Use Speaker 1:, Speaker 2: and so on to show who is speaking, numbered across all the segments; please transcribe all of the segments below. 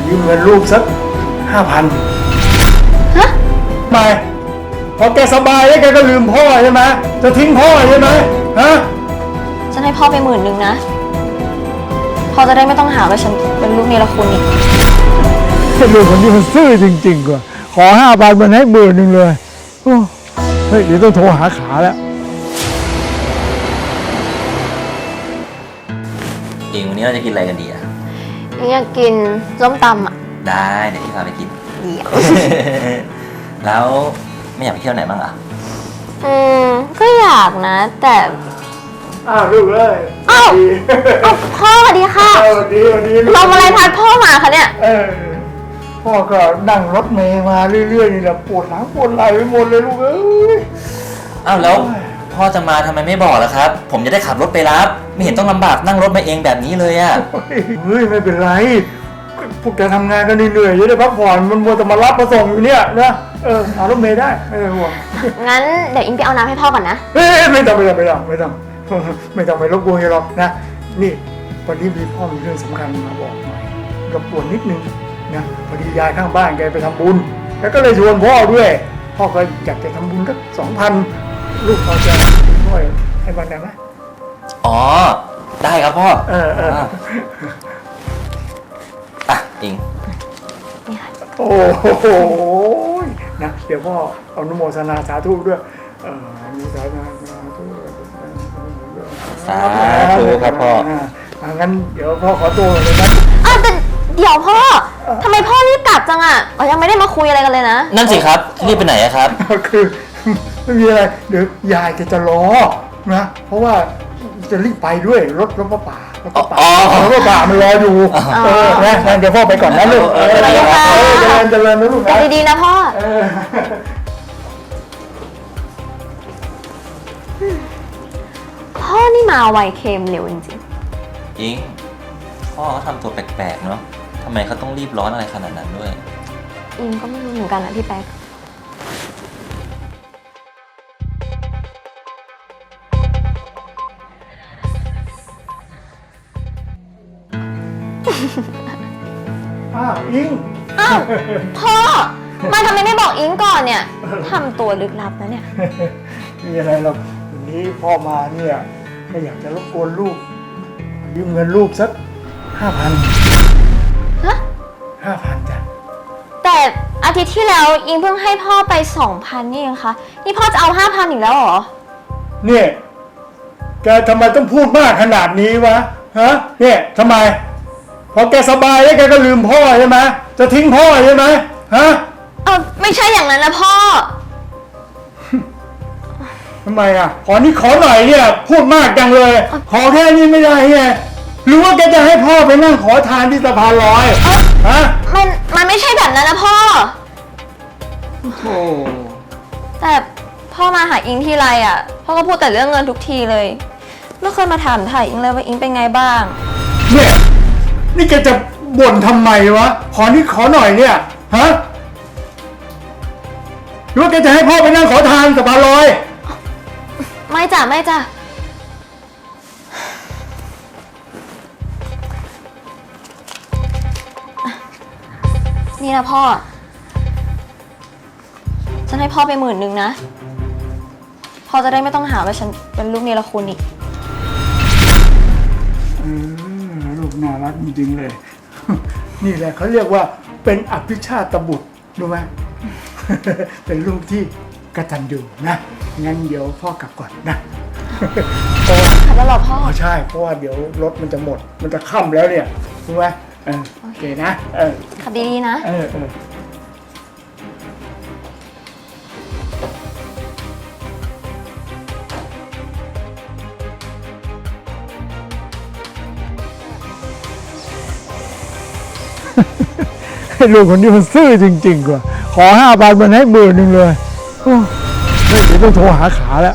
Speaker 1: ยืมเงินลูกสัก5,000
Speaker 2: ฮะ
Speaker 1: ไม่พอแกสบายแล้วแกก็ลืมพ่อใช่ไหมจะทิ้งพ่อใช่ไหมฮะ
Speaker 2: ฉันให้พ่อไป10,000นะพ่อจะได้ไม่ต้องหาว่าฉันเป็นลูกเนรคุณอีก
Speaker 1: ไอ้ลูกคนนี้มันซื่อจริงๆกว่าขอ5,000มันให้10,000เลยโอ้เฮ้ยเดี๋ยวต้องโทรหาขาแล้ว
Speaker 3: เองวันนี้เราจะกินอะไรกันดีอะ
Speaker 2: อยากกินส้มตำอ่ะ
Speaker 3: ได้เดี๋ยวพี่พาไปกิน
Speaker 2: เดี๋ยว
Speaker 3: แล้วไม่อยากไปเที่ยวไหนบ้างอะ
Speaker 2: ก็อยากนะ แต่
Speaker 1: ลูกเอ้ย
Speaker 2: อ้าวพ่อสวัสดีค่ะ
Speaker 1: สวัสดี
Speaker 2: ลมอะไรพัดพ่อมาคะเนี่ย
Speaker 1: พ่อก็นั่งรถเมล์มาเรื่อยๆนี่แหละปวดหลังปวดไหล่ไปหมดเลยลูกเอ้ย
Speaker 3: อ้าวแล้วพ่อจะมาทำไมไม่บอกล่ะครับ ผมจะได้ขับรถไปรับไม่เห็นต้องลำบากนั่งรถมาเองแบบนี้เลยอะ
Speaker 1: เฮ้ยไม่เป็นไรพวกแกทำงานกันเหนื่อยๆจะได้พักผ่อนมันมัวแต่มารับมาส่งอยู่เนี่ยนะเอารถเมล์ได้ไม่ต้องห่วง
Speaker 2: งั้นเดี๋ยวอิงไปเอาน้ำให้พ่อก่อนนะ
Speaker 1: ไม่ต้องไปรบกวนหรอกนะนี่วันนี้มีพ่อมีเรื่องสำคัญมาบอกหน่อยรบกวนนิดนึงนะพอดียายข้างบ้านแกไปทำบุญแล้วก็เลยชวนพ่อด้วยพ่อก็อยากจะทำบุญสัก2,000ลูกพอจะช่วยให้บ้านได้ไหม
Speaker 3: อ๋อได้ครับพ่ออ่ะอิง
Speaker 1: โอ้โหนะเดี๋ยวพ่อเอานุโมทนาสาธุด้วยมีสาธุ
Speaker 3: สาธุครับพ่อ
Speaker 1: งั้นเดี๋ยวพ่อขอตัวเลยนะ
Speaker 2: แต่เดี๋ยวพ่อทำไมพ่อรีบกลับจังอ่ะยังไม่ได้มาคุยอะไรกันเลยนะ
Speaker 3: นั่นสิครับรีบไปไหนครับ
Speaker 1: คือไม่มีอะไรเดี๋ยวยายจะรอนะเพราะว่าจะรีบไปด้วยรถพระป่ามันรออยู่นะเดี๋ยวพ่อไปก่อนนะลูกเจริญนะลูกนะ
Speaker 2: ดีๆนะพ่อพ่อนี่มาไวเค็มเร็วจริง
Speaker 3: ๆอิงพ่อเขาทำตัวแปลกๆเนาะทำไมเขาต้องรีบร้อนอะไรขนาดนั้นด้วย
Speaker 2: อิงก็ไม่รู้เหมือนกันนะพี่แป๊ก
Speaker 1: อิง
Speaker 2: พ่อมาทำไมไม่บอกอิงก่อนเนี่ยทำตัวลึกลับนะเนี่ย
Speaker 1: มีอะไรหรอกวันนี้พ่อมาเนี่ยไม่อยากจะรบกวนลูกยืมเงินลูกสัก5,000
Speaker 2: ฮะ
Speaker 1: 5,000จ้ะ
Speaker 2: แต่อาทิตย์ที่แล้วอิงเพิ่งให้พ่อไป2,000นี่เองคะนี่พ่อจะเอา5,000อีกแล้วเหรอ
Speaker 1: เนี่ยแกทำไมต้องพูดมากขนาดนี้วะฮะเนี่ยทำไมพอแกสบายแล้วแกก็ลืมพ่อใช่ไหมจะทิ้งพ่อใช่ไหมฮะ
Speaker 2: ไม่ใช่อย่างนั้นนะพ่อ
Speaker 1: ทำไมขอหน่อยเนี่ยพูดมากจังเลยขอแค่นี้ไม่ได้ไงหรือว่าแกจะให้พ่อไปนั่งขอทานที่สะพานลอยฮะ
Speaker 2: มันไม่ใช่แบบนั้นนะพ่อ
Speaker 1: โอ้
Speaker 2: แต่พ่อมาหาอิงทีไรพ่อก็พูดแต่เรื่องเงินทุกทีเลยไม่เคยมาถามถ่ายอิงเลยว่าอิงเป็นไงบ้าง
Speaker 1: เนี่ยนี่แกจะบ่นทำไมวะขอหน่อยเนี่ยฮะหรือว่าแกจะให้พ่อไปนั่งขอทานสะพานลอย
Speaker 2: ไม่จ้ะนี่นะพ่อฉันให้พ่อไป10,000นะพ่อจะได้ไม่ต้องหาว่าฉันเป็นลูกเนรคุณอีก
Speaker 1: ลูกน่ารักจริงๆเลยนี่แหละเขาเรียกว่าเป็นอภิชาตบุตรรู้ไหมเป็นลูกที่กตัญญูนะงั้นเดี๋ยวพ่อกลับก่อนนะ
Speaker 2: ขับแล้วหรอพ่อ
Speaker 1: ใช่เพราะว่าเดี๋ยวรถมันจะหมดมันจะค่ำแล้วเนี่ยรู้ไหมโอเคนะ
Speaker 2: ขับดีๆนะ
Speaker 1: ลูกคนนี้มันซื่อจริงๆกว่าขอ5,000มันให้10,000เลยเดี๋ยวต้องโทรหาขาแล้ว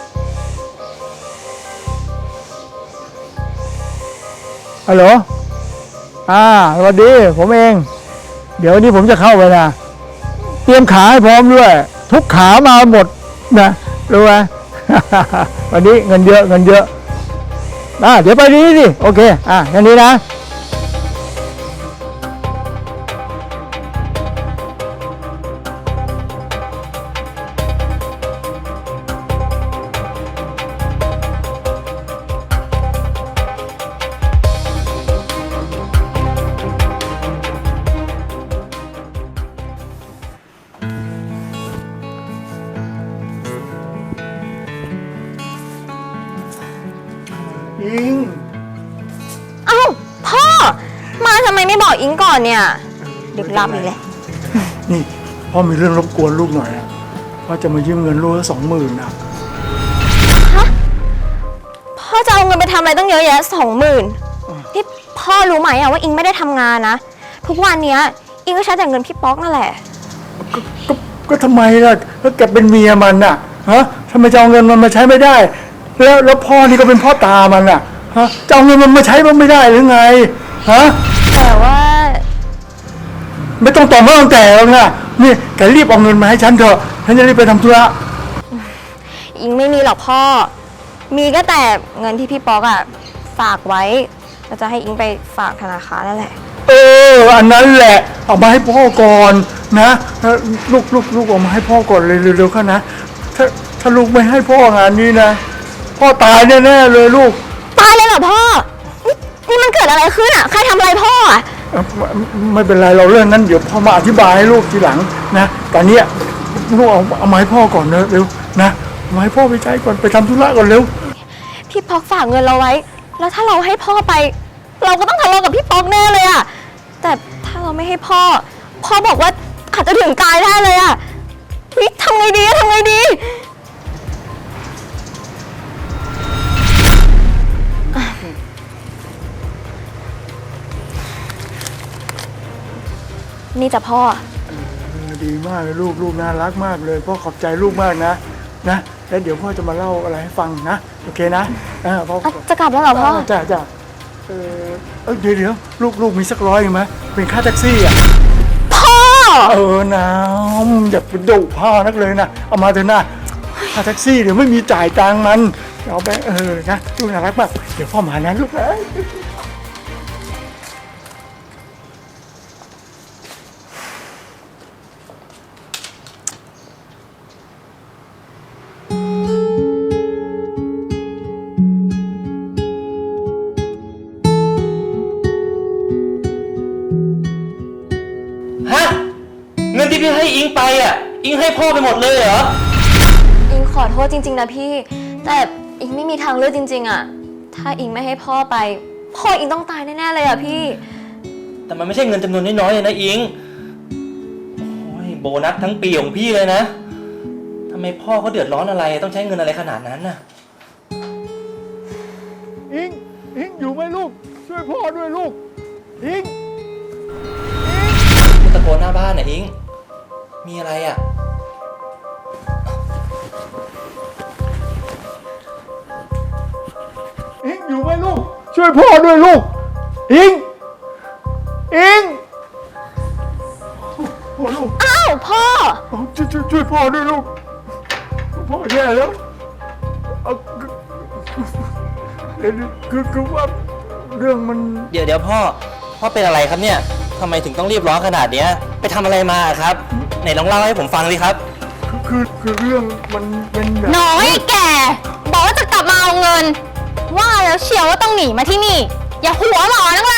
Speaker 1: ฮัลโหลสวัสดีผมเองเดี๋ยววันนี้ผมจะเข้าไปนะเตรียมขาให้พร้อมด้วยทุกขามาหมดนะรู้ไหม วันนี้เงินเยอะเดี๋ยวไปนี้สิโอเคงั้นนี้นะ
Speaker 2: บอกอิงก่อนเนี่ยดึกลับอีกเลย
Speaker 1: นี่พ่อมีเรื่องรบกวนลูกหน่อยอะพ่อจะมายืมเงินลูกละ20,000นะ
Speaker 2: พ่อจะเอาเงินไปทำอะไรตั้งเยอะแยะ20,000นี่พ่อรู้ไหมอะว่าอิงไม่ได้ทำงานนะทุกวันเนี้ยอิงก็ใช้แต่เงินพี่ป๊อกนั่นแหละ
Speaker 1: ก็ทำไมล่ะก็แกเป็นเมียมันน่ะฮะทำไมจะเอาเงินมันมาใช้ไม่ได้ แล้วพ่อนี่ก็เป็นพ่อตามันน่ะฮะจะเอาเงินมันมาใช้มันไม่ได้หรือไงฮะ
Speaker 2: แต่ว่า
Speaker 1: ไม่ต้องต่อเมื่อตั้งแต่แล้วนะนี่แกรีบเอาเงินมาให้ฉันเถอะฉันจะรีบไปทำธุระ
Speaker 2: อิงไม่มีหรอกพ่อ มีก็แต่เงินที่พี่ป๊อกอะฝากไว้เราจะให้อิงไปฝากธนาคารนั่นแหละ
Speaker 1: อันนั้นแหละเอามาให้พ่อก่อนนะลูกเอามาให้พ่อก่อนเลยเร็วๆเข้านะถ้าลูกไม่ให้พ่องานนี้นะพ่อตายแน่ๆเลยลูก
Speaker 2: ตายเลยเหรอพ่อนี่มันเกิดอะไรขึ้นอะใครทำอะไรพ่ออะ
Speaker 1: ไม่เป็นไรเราเรื่องนั้นเดี๋ยวพ่อมาอธิบายให้ลูกทีหลังนะตอนเนี้ยลูกเอามาให้พ่อก่อนเร็วนะเอามาให้พ่อไปใช้ก่อนไปทำธุระก่อนเร็ว
Speaker 2: พี่ป๊อกฝากเงินเราไว้ แล้วถ้าเราให้พ่อไป เราก็ต้องทะเลาะกับพี่ป๊อกแน่เลยอะแต่ถ้าเราไม่ให้พ่อบอกว่าอาจจะถึงตายได้เลยอะนี่ทำไงดี นี่จะพ่อ
Speaker 1: ดีมากเลยลูกน่ารักมากเลยพ่อขอบใจลูกมากนะแล้วเดี๋ยวพ่อจะมาเล่าอะไรให้ฟังนะโอเคนะพ่อ
Speaker 2: จะกลับแล้วเหรอพ่อ
Speaker 1: จ้ะเดี๋ยวลูกมีสัก100ไหมเป็นค่าแท็กซี่อ่ะ
Speaker 2: พ่อ
Speaker 1: น้ำอย่าไปดุพ่อนักเลยนะเอามาเถอะนะค่าแท็กซี่เดี๋ยวไม่มีจ่ายตังค์มันเอาไปนะลูกน่ารักมากเดี๋ยวพ่อมานะลูกนะ
Speaker 3: ฮะ เงินที่พี่ให้อิงไปอ่ะ อิงให้พ่อไปหมดเลยเหรอ
Speaker 2: อิงขอโทษจริงๆนะพี่ แต่อิงไม่มีทางเลือกจริงๆอะถ้าอิงไม่ให้พ่อไป พ่ออิงต้องตายแน่ๆเลยอะพี่
Speaker 3: แต่มันไม่ใช่เงินจำนวนน้อยๆเลยนะอิง โอ้ยโบนัสทั้งปีของพี่เลยนะทำไมพ่อเขาเดือดร้อนอะไรต้องใช้เงินอะไรขนาดนั้นน่ะ
Speaker 1: อิงอยู่ไหมลูกช่วยพ่อด้วยลูกอิง
Speaker 3: ตะโกนหน้าบ้านน่ะอิง มีอะไรอ่ะ
Speaker 1: อยู่ไหมลูกช่วยพ่อด้วยลูกอิงพ่อลูก
Speaker 2: อ้าวพ่อ
Speaker 1: ช่วยพ่อด้วยลูกพ่อแย่แล้วคือว่าเรื่องมัน
Speaker 3: เดี๋ยวพ่อเป็นอะไรครับเนี่ยทำไมถึงต้องรีบร้อนขนาดเนี้ยไปทำอะไรมาครับไหนลองเล่าให้ผมฟังดิครับ
Speaker 1: คือเรื่องมันเป็นแบบ
Speaker 2: น้อยแกบอกว่าจะกลับมาเอาเงิน ว่าแล้วเชียวว่าต้องหนีมาที่นี่ อย่าหัวหลอนักเลย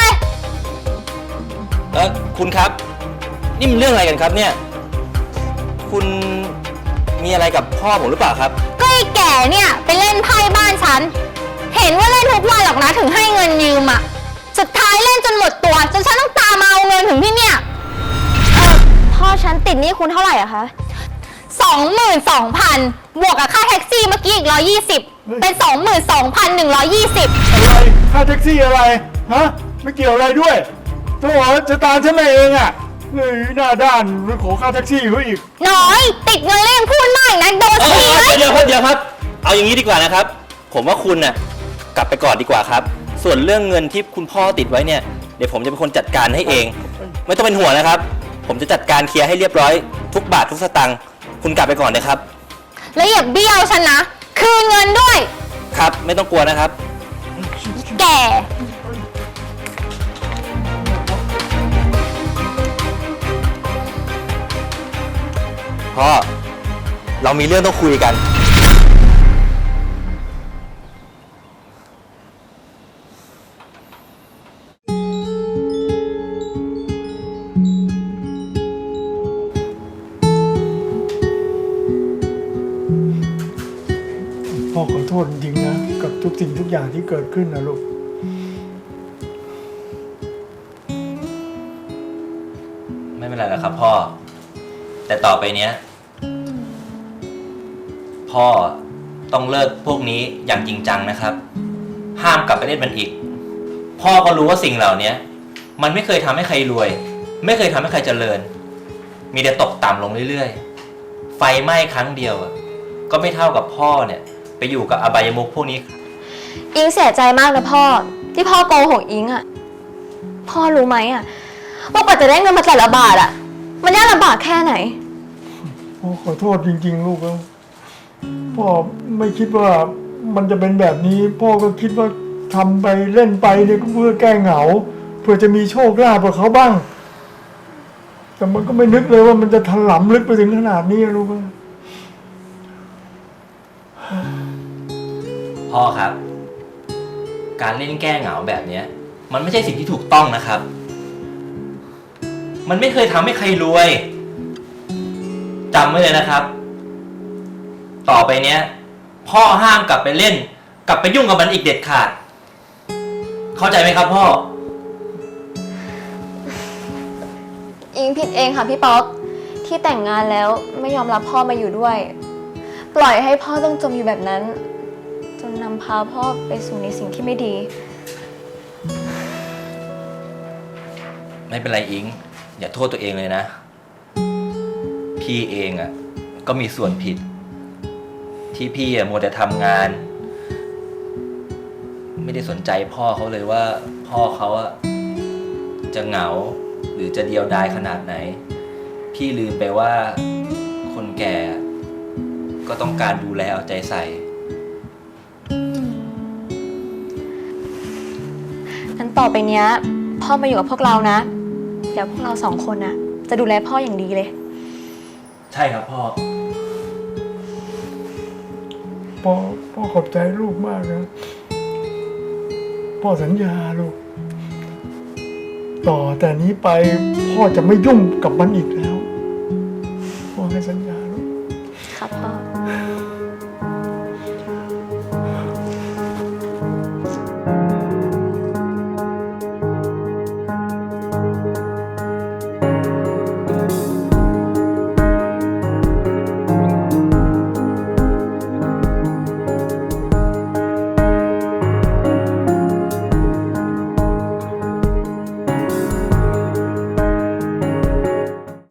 Speaker 3: คุณครับ นี่มันเรื่องอะไรกันครับเนี่ย คุณมีอะไรกับพ่อผมหรือเปล่าครับ
Speaker 2: ก็ไอ้แก่เนี่ยไปเล่นไพ่บ้านฉัน เห็นว่าเล่นทุกวันหรอกนะถึงให้เงินยืมอะสุดท้ายเล่นจนหมดตัวจนฉันต้องตามมาเอาเงินถึงที่เนี่ยพ่อฉันติดหนี้คุณเท่าไหร่อะคะ22,000 บวกกับค่าแท็กซี่เมื่อกี้อีก120เป็น22,120
Speaker 1: อะไรค่าแท็กซี่อะไรฮะไม่เกี่ยวอะไรด้วยตัวจะตามฉันมาเองอ่ะเฮ้ยหน้าด้านไปขอค่าแท็กซี่เขาอีก
Speaker 2: น้อยติดเงินเล่นพูดมากนะโดนทีไหม
Speaker 3: เดี๋ยวครับ เอาอย่างนี้ดีกว่านะครับ ผมว่าคุณน่ะกลับไปก่อนดีกว่าครับ ส่วนเรื่องเงินที่คุณพ่อติดไว้เนี่ยเดี๋ยวผมจะเป็นคนจัดการให้เอง ไม่ต้องเป็นห่วงนะครับ ผมจะจัดการเคลียร์ให้เรียบร้อยทุกบาททุกสตางค์คุณกลับไปก่อนนะครับ
Speaker 2: แล้วอย่าเบี้ยวฉันนะคืนเงินด้วย
Speaker 3: ครับไม่ต้องกลัวนะครับ
Speaker 2: แก่
Speaker 3: พ่อเรามีเรื่องต้องคุยกัน
Speaker 1: พ่อขอโทษจริงๆนะกับทุกสิ่งทุกอย่างที่เกิดขึ้นนะลูก
Speaker 3: ไม่เป็นไรแล้วครับพ่อ แต่ต่อไปเนี้ย พ่อต้องเลิกพวกนี้อย่างจริงจังนะครับ ห้ามกลับไปเล่นมันอีก พ่อก็รู้ว่าสิ่งเหล่านี้มันไม่เคยทำให้ใครรวย ไม่เคยทำให้ใครเจริญ มีแต่ตกต่ำลงเรื่อยๆ ไฟไหม้ครั้งเดียวก็ไม่เท่ากับพ่อเนี่ยไปอยู่กับอบายมุขพวกนี้
Speaker 2: อิงเสียใจมากนะพ่อที่พ่อโกหกอิงอะพ่อรู้ไหมอะว่ากว่าจะได้เงินมาแต่ละบาทอะมันยากลำบากแค่ไหน
Speaker 1: พ่อขอโทษจริงๆลูกแล้วพ่อไม่คิดว่ามันจะเป็นแบบนี้ พ่อก็คิดว่าทำไปเล่นไปเนี่ยก็เพื่อแก้เหงา เพื่อจะมีโชคลาภกับเขาบ้าง แต่มันก็ไม่นึกเลยว่ามันจะถลำลึกไปถึงขนาดนี้ลูก
Speaker 3: พ่อครับ การเล่นแก้เหงาแบบเนี้ย มันไม่ใช่สิ่งที่ถูกต้องนะครับ มันไม่เคยทำให้ใครรวยจำไว้เลยนะครับ ต่อไปเนี้ย พ่อห้ามกลับไปเล่น กลับไปยุ่งกับมันอีกเด็ดขาด เข้าใจไหมครับพ่อ
Speaker 2: อิงผิดเองค่ะพี่ป๊อกที่แต่งงานแล้วไม่ยอมรับพ่อมาอยู่ด้วย ปล่อยให้พ่อต้องจมอยู่แบบนั้น จนนำพาพ่อไปสู่ในสิ่งที่ไม่ดี
Speaker 3: ไม่เป็นไรอิง อย่าโทษตัวเองเลยนะ พี่เองก็มีส่วนผิด ที่พี่มัวแต่ทำงาน ไม่ได้สนใจพ่อเขาเลยว่า พ่อเขาจะเหงา หรือจะเดียวดายขนาดไหน พี่ลืมไปว่าคนแก่ก็ต้องการดูแลเอาใจใส่
Speaker 2: งั้นต่อไปเนี้ยพ่อมาอยู่กับพวกเรานะเดี๋ยวพวกเราสองคนน่ะจะดูแลพ่ออย่างดีเลย
Speaker 3: ใช่ครับพ่อ
Speaker 1: พ่อขอบใจลูกมากนะพ่อสัญญาลูกต่อแต่นี้ไปพ่อจะไม่ยุ่งกับมันอีกแล้วพ่อให้สัญญา